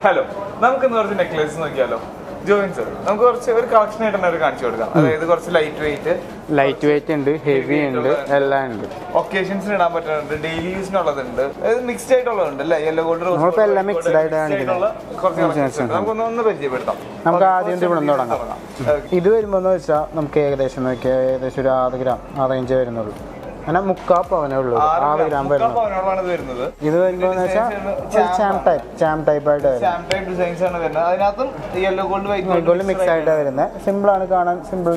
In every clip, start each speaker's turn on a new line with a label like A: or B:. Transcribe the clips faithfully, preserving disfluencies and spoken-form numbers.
A: Hello, നമുക്ക് ഇന്ന് കുറച്ച് നെക്ലേസ് നോക്കിയാലോ. ജോയിൻ സർ, നമുക്ക് കുറച്ച് ഒരു കളക്ഷൻ ആയിട്ട് തന്നെ കാണിച്ചു കൊടുക്കാം. അതായത് കുറച്ച് ലൈറ്റ് വെയിറ്റ്
B: ലൈറ്റ് വെയിറ്റ് ഉണ്ട്, ഹെവി ഉണ്ട്, എല്ലാം ഉണ്ട്.
A: ഒക്കേഷൻസിന് ഇടാൻ പറ്റുന്നുണ്ട്, ഡെയിലി യൂസിനുള്ളതുണ്ട്, അതായത് മിക്സ്ഡ് ആയിട്ടുള്ളതുണ്ട് അല്ലേ. യെല്ലോ ഗോൾഡ്,
B: നമ്മളിപ്പോ എല്ലാം മിക്സ്ഡ് ആയിട്ട്
A: കുറച്ച് നമുക്കൊന്ന് ഒന്ന് പരിചയപ്പെടുത്താം.
B: നമുക്ക് ആദ്യം ഇവിടെ തുടങ്ങാം. ഇത് വരുമ്പോന്ന് വെച്ചാൽ നമുക്ക് ഏകദേശം നോക്കിയാൽ ഏകദേശം ഒരു ആറ് ഗ്രാം ആ റേഞ്ച് വരുന്നുള്ളൂ. അങ്ങനെ മുക്കാ പവനേ ഉള്ളൂ, ആറ് ഗ്രാം വരുന്നത്. ഇത് വരുമ്പോന്ന് വെച്ചാൽ ചാം ടൈപ്പ് ചാം ടൈപ്പ് ആയിട്ട് വൈറ്റ് ഗോൾഡ് മിക്സ് ആയിട്ട് വരുന്നത്. സിമ്പിൾ ആണ് കാണാൻ, സിമ്പിൾ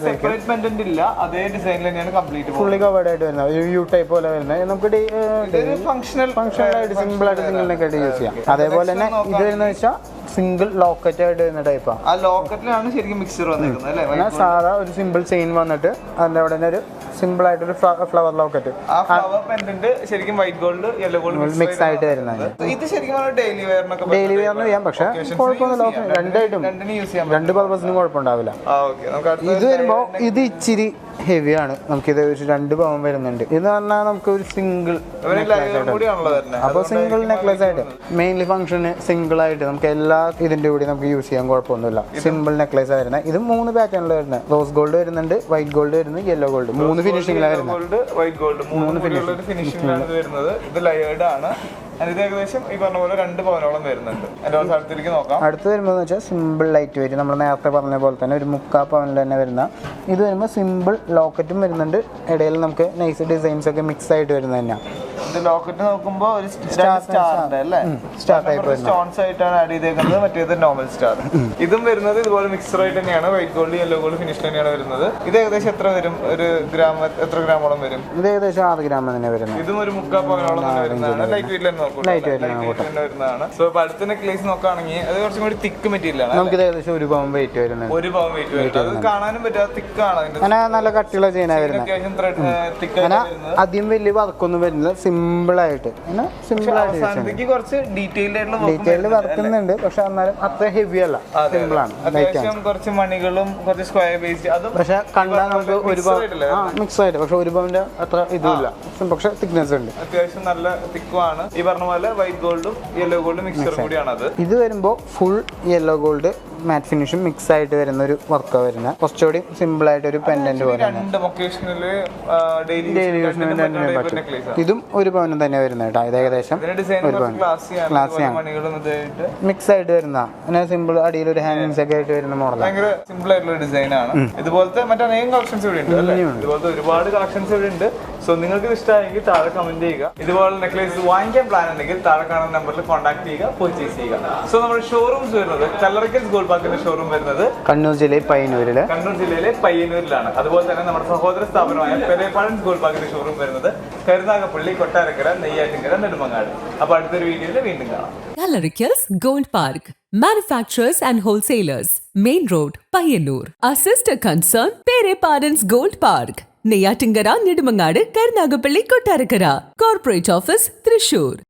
B: ഫുള്ളി കവേർഡ് ആയിട്ട് വരുന്നത്, യു ടൈപ്പ് പോലെ വരുന്നത്. നമുക്ക് ഫംഗ്ഷണൽ ആയിട്ട് സിമ്പിൾ ആയിട്ട് സിംഗിളിനൊക്കെ ആയിട്ട് യൂസ് ചെയ്യാം. അതേപോലെ തന്നെ ഇത് വരുന്ന വെച്ചാൽ സിംഗിൾ ലോക്കറ്റ് ആയിട്ട് വരുന്ന ടൈപ്പാണ്.
A: ആ ലോക്കറ്റിലാണ് ശരിക്കും മിക്സർ വന്നിരിക്കുന്നത് അല്ലേ.
B: സാധാ ഒരു സിമ്പിൾ ചെയിൻ വന്നിട്ട് അതിന്റെ അവിടെ ഒരു സിമ്പിൾ ആയിട്ടൊരു ഫ്ലവർ ലോക്കറ്റ്,
A: ആ ഫ്ലവർ പെൻഡന്റ് ശരിക്കും white gold yellow gold
B: mix ആയിട്ട് വരുന്നത്.
A: ഇത് ശരിക്കും ഡെയിലി വെയറിനൊക്കെ
B: ഡെയിലി വെയറിന് ചെയ്യാം, പക്ഷെ കുഴപ്പമൊന്നുമില്ല, രണ്ടായിട്ടും രണ്ട് പർപ്പസിനും കുഴപ്പമുണ്ടാവില്ല. ഇത് വരുമ്പോ ഇത് ഇച്ചിരി ഹെവിയാണ്. നമുക്കിത് ഒരു രണ്ട് പവൻ വരുന്നുണ്ട്. ഇത് പറഞ്ഞാൽ നമുക്ക് ഒരു സിംഗിൾ അപ്പൊ സിംഗിൾ നെക്ലേസ് ആയിട്ട് മെയിൻലി ഫംഗ്ഷന് സിംഗിൾ ആയിട്ട് നമുക്ക് എല്ലാ ഇതിന്റെ കൂടി നമുക്ക് യൂസ് ചെയ്യാൻ കുഴപ്പമൊന്നുമില്ല. സിമ്പിൾ നെക്ലേസ് വരുന്നത്. ഇത് മൂന്ന് പാറ്റേണിൽ വരുന്നത്. റോസ് ഗോൾഡ് വരുന്നുണ്ട്, വൈറ്റ് ഗോൾഡ് വരുന്നത്, യെല്ലോ ഗോൾഡ്, മൂന്ന് ഫിനിഷിംഗിലാണ് വരുന്നത്.
A: മൂന്ന് ഫിനിഷിംഗിലാണ് വരുന്നത്. ഇത് ലയേർഡ് ആണ്. ഇത് ഏകദേശം ഈ പറഞ്ഞ പോലെ രണ്ട് പവനോളം വരുന്നുണ്ട്. അടുത്തേക്ക് നോക്കാം.
B: അടുത്ത് വരുമ്പോൾ വെച്ചാൽ സിമ്പിൾ ലൈറ്റ് വെയിറ്റ്, നമ്മൾ നേരത്തെ പറഞ്ഞ പോലെ തന്നെ ഒരു മുക്കാ പവനിൽ തന്നെ വരുന്ന. ഇത് വരുമ്പോൾ സിമ്പിൾ ലോക്കറ്റും വരുന്നുണ്ട്, ഇടയിൽ നമുക്ക് നൈസ് ഡിസൈൻസ് ഒക്കെ മിക്സ് ആയിട്ട് വരുന്നത് തന്നെയാണ്.
A: ഇത് ലോക്കറ്റ് നോക്കുമ്പോൾ ഒരു സ്റ്റാറിന്റെ അല്ലേ, സ്റ്റാർ ടൈപ്പ് സ്റ്റോൺസ് ആയിട്ടാണ് ആഡ് ചെയ്തേക്കുന്നത്. മറ്റേത് നോർമൽ സ്റ്റാർ. ഇതും വരുന്നത് ഇതുപോലെ മിക്സർ ആയിട്ട് തന്നെയാണ്, white gold yellow gold finish തന്നെയാണ് വരുന്നത്. ഇത് ഏകദേശം എത്ര വരും? ഒരു ഗ്രാം എത്ര ഗ്രാമോളം വരും?
B: ഇത് ഏകദേശം ആറ് ഗ്രാം തന്നെ വരുന്നത്.
A: ഇതും ഒരു മുക്കാ പവനോളം തന്നെ വരുന്നതാണ്. ലൈറ്റ് വെയിറ്റ് തന്നെ വരുന്നതാണ്. സോ ഇപ്പൊ അടുത്ത നെക്ലേസ് നോക്കുകയാണെങ്കിൽ അത് കുറച്ചും കൂടി തിക്ക് മെറ്റീരിയൽ ആണ്.
B: നമുക്ക് ഏകദേശം ഒരു പവൻ വെയിറ്റ് വരുന്നത്.
A: ഒരു പവൻ വെയിറ്റ് വരുന്നത്. അത് കാണാനും പറ്റാത്ത തിക്കാണ്.
B: അങ്ങനെ നല്ല കട്ടിയുള്ള ചെയിനാണ് വരുന്നത്. അധികം വലിയ വർക്കൊന്നും വരുന്നില്ല, സിമ്പിൾ ആയിട്ട് സിമ്പിൾ ആയിട്ട്
A: കുറച്ച് ഡീറ്റെയിൽഡ് ആയിട്ടുള്ള
B: ഡീറ്റെയിൽഡ് വർക്കുന്നുണ്ട്, പക്ഷെ എന്നാലും അത്ര ഹെവി അല്ല, സിമ്പിൾ ആണ്.
A: അത്യാവശ്യം കുറച്ച് മണികളും കുറച്ച് സ്ക്വയർ ബേസ്ഡ്, അതും
B: പക്ഷെ കണ്ടാൽ നമുക്ക് ഒരു മിക്സ് ആയിട്ട്, പക്ഷെ ഒരു പവന്റെ അത്ര ഇതുമില്ല, പക്ഷെ തിക്നെസ് ഉണ്ട്.
A: അത്യാവശ്യം നല്ല തിക്കുമാണ്. ഈ പറഞ്ഞ പോലെ വൈറ്റ് ഗോൾഡും യെല്ലോ ഗോൾഡും മിക്സർ കൂടിയാണ് അത്.
B: ഇത് വരുമ്പോൾ ഫുൾ യെല്ലോ ഗോൾഡ് മാറ്റ് ഫിനിഷും മിക്സ് ആയിട്ട് വരുന്ന ഒരു വർക്കാണ് വരുന്നത്. കുറച്ചുകൂടി സിമ്പിൾ ആയിട്ട് ഒരു പെൻഡന്റ് പോലെ. ഇതും ഒരു പവനും തന്നെ വരുന്നത് കേട്ടോ. ഇത് ഏകദേശം മിക്സ് ആയിട്ട് വരുന്ന സിമ്പിൾ, അടിയിൽ ഒരു ഹാങ്ങിങ്സ് ഒക്കെ ആയിട്ട് വരുന്ന മോഡൽ.
A: ഭയങ്കര സിമ്പിൾ ആയിട്ടുള്ള ഡിസൈൻ ആണ്. ഇതുപോലത്തെ മറ്റനേകം കളക്ഷൻസ് ഇവിടെ ഉണ്ട്. ഇതുപോലത്തെ ഒരുപാട് കളക്ഷൻസ് ഇവിടെ ഉണ്ട്. സോ നിങ്ങൾക്ക് ഇഷ്ടമായെങ്കിൽ താഴെ കമന്റ് ചെയ്യുക. ഇതുപോലെ നെക്ലേസ് വാങ്ങിക്കാൻ പ്ലാൻ ഉണ്ടെങ്കിൽ താഴെ കാണുന്ന നമ്പറിൽ കോൺടാക്ട് ചെയ്യുക, പർച്ചേസ് ചെയ്യുക. സോ നമ്മുടെ ഷോറൂംസ് വരുന്നത് കല്ലറയ്ക്കൽ ഗോൾഡ് പാർക്കിന്റെ ഷോറൂം വരുന്നത്
B: കണ്ണൂർ ജില്ലയിൽ പയ്യന്നൂരില്
A: കണ്ണൂർ ജില്ലയിലെ പയ്യന്നൂരിലാണ്. അതുപോലെ തന്നെ നമ്മുടെ സഹോദര സ്ഥാപനമായ പെരേപ്പാടൻസ് ഗോൾഡ് പാർക്കിന്റെ ഷോറൂം വരുന്നത് കരുനാഗപ്പള്ളി, കൊട്ടാരക്കര, നെയ്യാറ്റിൻകര, നെടുമങ്ങാട്. അപ്പൊ അടുത്തൊരു വീഡിയോയിൽ വീണ്ടും കാണാം.
C: Kallarikals Gold Park, manufacturers and wholesalers, Main Road, Payyanur. Our sister concern, Pere Parents Gold Park, Neyyattinkara, Nedumangadu, Karunagapalli, Kottarakara. Corporate Office, Thrissur.